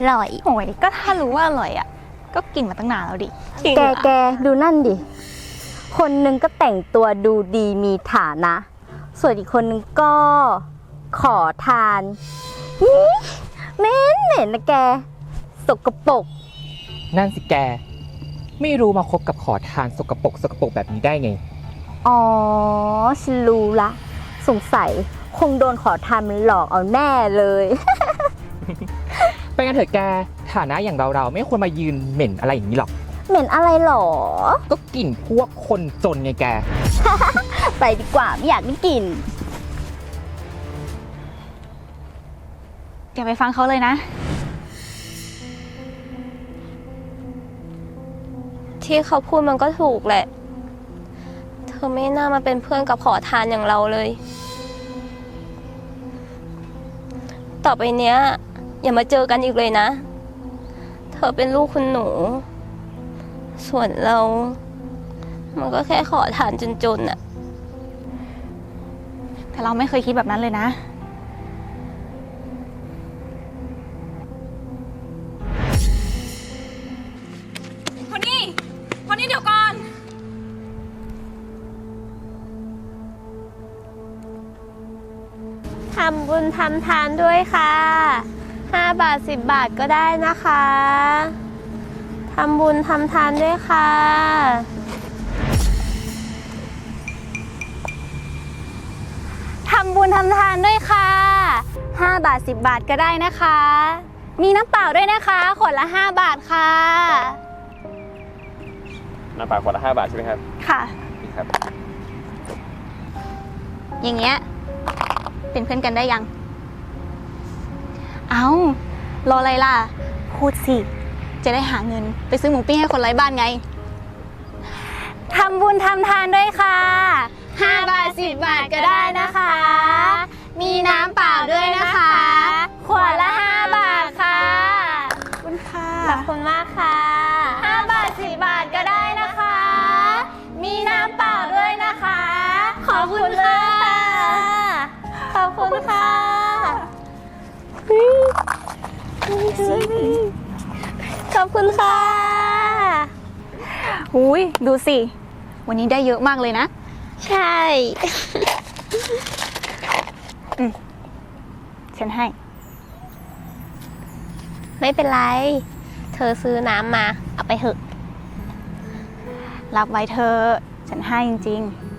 ร่อยโอ้ยก็ถ้ารู้ว่าอร่อยอ่ะก็กินมาตั้งนานแล้วดิแกดูนั่นดิคนหนึ่งก็แต่งตัวดูดีมีฐานะส่วนอีกคนนึงก็ขอทานเหม็นนะแกสกปรกนั่นสิแกไม่รู้มาคบกับขอทานสกปรกแบบนี้ได้ไงอ๋อฉันรู้ละสงสัยคงโดนขอทานมันหลอกเอาแน่เลยไปกันเถอะแกฐานะอย่างเราไม่ควรมายืนเหม็นอะไรอย่างนี้หรอกเหม็นอะไรหรอก็กลิ่นพวกคนจนไงแกไปดีกว่าไม่อยากได้กลิ่นอย่าไปฟังเขาเลยนะที่เขาพูดมันก็ถูกแหละเธอไม่น่ามาเป็นเพื่อนกับขอทานอย่างเราเลยต่อไปเนี้ยอย่ามาเจอกันอีกเลยนะเธอเป็นลูกคุณหนูส่วนเรามันก็แค่ขอทานจนๆน่ะแต่เราไม่เคยคิดแบบนั้นเลยนะคนนี้เดี๋ยวก่อนทำบุญทำทานด้วยค่ะ5 บาท10 บาทก็ได้นะคะทำบุญทำทานด้วยค่ะทำบุญทำทานด้วยค่ะ5 บาท10 บาทก็ได้นะคะมีน้ำเปล่าด้วยนะคะขวดละ5 บาทค่ะน้ำเปล่าขวดละ5 บาทใช่ไหมครับค่ะนี่ครับอย่างเงี้ยเป็นเพื่อนกันได้ยังเอารออะไรล่ะพูดสิจะได้หาเงินไปซื้อหมูปิ้งให้คนไร้บ้านไงทำบุญทำทานด้วยค่ะ5 บาท10 บาทก็ได้นะคะมีน้ำเปล่าด้วยนะคะขวดละ5 บาทค่ะขอบคุณค่ะขอบคุณมากค่ะ 5 บาท10 บาทก็ได้นะคะมีน้ำเปล่าด้วยนะคะขอบคุณค่ะขอบคุณค่ะขอบคุณค่ะหุยดูสิวันนี้ได้เยอะมากเลยนะใช่ฉันให้ไม่เป็นไรเธอซื้อน้ำมาเอาไปเถอะรับไว้เธอฉันให้จริงๆ